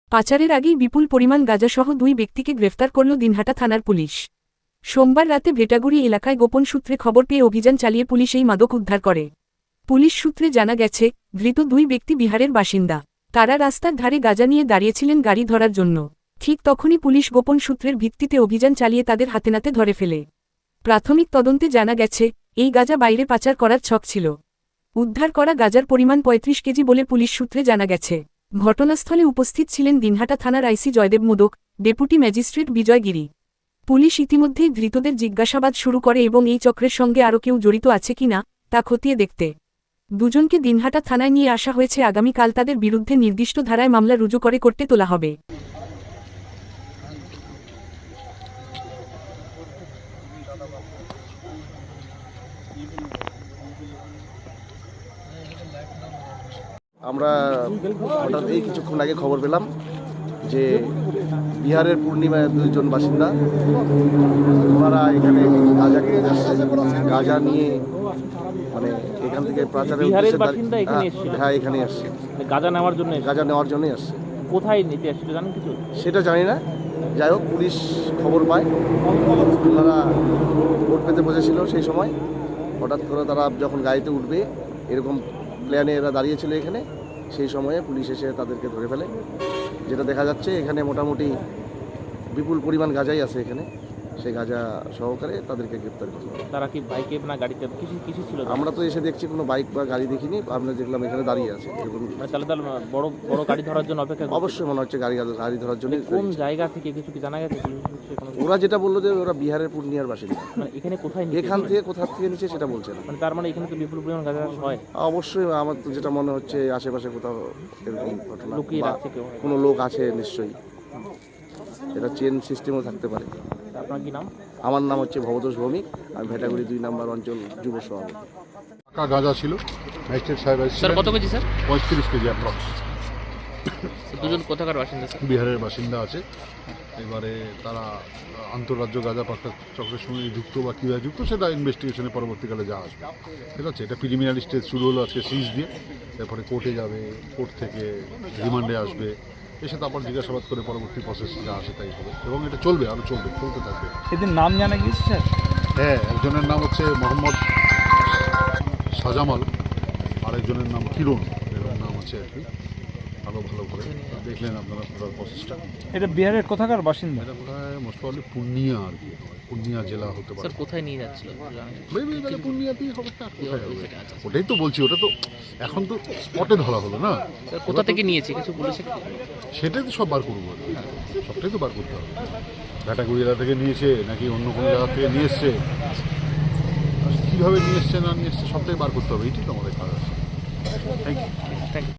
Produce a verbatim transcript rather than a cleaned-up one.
পাচারের আগেই বিপুল পরিমাণ গাঁজাসহ দুই ব্যক্তিকে গ্রেফতার করল দিনহাটা থানার পুলিশ। সোমবার রাতে ভেটাগুড়ি এলাকায় গোপন সূত্রে খবর পেয়ে অভিযান চালিয়ে পুলিশ এই মাদক উদ্ধার করে। পুলিশ সূত্রে জানা গেছে, ধৃত দুই ব্যক্তি বিহারের বাসিন্দা। তারা রাস্তার ধারে গাঁজা নিয়ে দাঁড়িয়েছিলেন গাড়ি ধরার জন্য। ঠিক তখনই পুলিশ গোপন সূত্রের ভিত্তিতে অভিযান চালিয়ে তাদের হাতেনাতে ধরে ফেলে। প্রাথমিক তদন্তে জানা গেছে, এই গাঁজা বাইরে পাচার করার ছক ছিল। উদ্ধার করা গাঁজার পরিমাণ পঁয়ত্রিশ কেজি বলে পুলিশ সূত্রে জানা গেছে। ঘটনাস্থলে উপস্থিত ছিলেন দিনহাটা থানার IC Joydeb Modak, deputy magistrate Bijoy Giri. Police ইতিমধ্যেই ধৃতদের জিজ্ঞাসাবাদ শুরু করে এবং এই চক্রের সঙ্গে আরও কেউ জড়িত আছে কিনা তা খতিয়ে দেখতে দুজনকে দিনহাটা থানায় নিয়ে আসা হয়েছে। আগামীকাল তাদের বিরুদ্ধে নির্দিষ্ট ধারায় মামলা রুজু করে করতে তোলা হবে। আমরা হঠাৎ এই কিছুক্ষণ আগে খবর পেলাম যে বিহারের পূর্ণিমায় দুইজন বাসিন্দা ওনারা এখানে গাঁজা কিনতে আসছে। গাঁজা নিয়ে মানে এখান থেকে পাচারের হ্যাঁ এখানে আসছে গাঁজা নেওয়ার জন্য। গাঁজা নেওয়ার জন্যই আসছে। কোথায় নিতে আসছিল জানেন কিছু? সেটা জানি না, যাই হোক পুলিশ খবর পায়। ওনারা ভোট পেতে বসেছিল, সেই সময় হঠাৎ করে তারা যখন গাড়িতে উঠবে এরকম প্ল্যানে এরা দাঁড়িয়েছিল এখানে, সেই সময়ে পুলিশ এসে তাদেরকে ধরে ফেলে। যেটা দেখা যাচ্ছে এখানে মোটামুটি বিপুল পরিমাণ গাঁজাই আছে এখানে, সেই গাঁজা সহকারে তাদেরকে গ্রেপ্তার করলো। তারা কি বাইকে না গাড়িতে কিছু কিছু ছিল? আমরা তো এসে দেখছি কোনো বাইক বা গাড়ি দেখিনি, আমরা দেখলাম এখানে দাঁড়িয়ে আছে এরকম। তাহলে তাহলে বড় বড় গাড়ি ধরার জন্য অপেক্ষা? অবশ্যই মনে হচ্ছে গাড়ি গাড়ি ধরার জন্য। কোন জায়গা থেকে কিছু কি জানা গেছে? ওরা যেটা বললো যে ওরা বিহারের পূর্ণিয়ার বাসিন্দা। মানে এখানে কোথায়? এখান থেকে কোথা থেকে নিচে সেটা বলছে না। মানে তার মানে এখানে তো বিপুল পরিমাণ গাঁজা হয়। অবশ্যই আমার তো যেটা মনে হচ্ছে আশেপাশে কোথাও এরকম ঘটনা, লুকিয়ে রাখছে কেউ, কোনো লোক আছে নিশ্চয়ই। এটা চেন সিস্টেমও থাকতে পারে। আপনার কি নাম? আমার নাম হচ্ছে ভবতোষ ভৌমিক, আমি ভেটাগুড়ি দুই নম্বর অঞ্চল যুব সভাপতি। টাকা গাঁজা ছিল, ম্যাজিস্ট্রেট সাহেব স্যার কত কেজি স্যার? পঁয়ত্রিশ কেজি অ্যাপ্রক্স। দুজন কোথাকার বাসিন্দা স্যার? বিহারের বাসিন্দা আছে। এবারে তারা আন্তঃরাজ্য গাঁজা পাচার চক্রের সঙ্গে যুক্ত বা কীভাবে যুক্ত সেটা ইনভেস্টিগেশনে পরবর্তীকালে যা আসবে। ঠিক আছে, এটা প্রিলিমিনারি স্টেজ শুরু হলো আজকে সিজ দিয়ে, তারপরে কোর্টে যাবে, কোর্ট থেকে রিমান্ডে আসবে, এসে তারপর জিজ্ঞাসাবাদ করে পরবর্তী প্রসেস যা আসে তাই হবে এবং এটা চলবে, আরও চলবে, চলতে থাকবে। এদের নাম জানা গিয়েছে স্যার? হ্যাঁ, একজনের নাম হচ্ছে মোহাম্মদ সাজামাল, আরেকজনের নাম কিরণ, এরকম নাম আছে আর কি। আরও ভালো করে দেখলেন আপনারা পুরো প্রসেসটা। এটা বিহারের কোথাকার বাসিন্দা? এটা কোথায় মোস্ট প্রবলি পূর্ণিয়া আর কি, পূর্ণিয়া জেলা হতে পারে। স্যার কোথায় নিয়ে যাচ্ছিল? মেবি তাহলে পূর্ণিয়াতেই হবে। কোথায় হবে ওটাই তো বলছি, ওটা তো এখন তো স্পটে ধরা হলো না। কোথা থেকে নিয়েছে কিছু বলেছে? সেটাই তো সব বার করবো আর কি, সবটাই তো বার করতে হবে। ভেটাগুড়ি এলাকা থেকে নিয়েছে নাকি অন্য কোনো জায়গা থেকে নিয়ে এসছে, কীভাবে নিয়ে এসছে না নিয়ে এসছে সবটাই বার করতে হবে, এইটাই তো আমাদের কাজ আছে। Thank you. Thank you.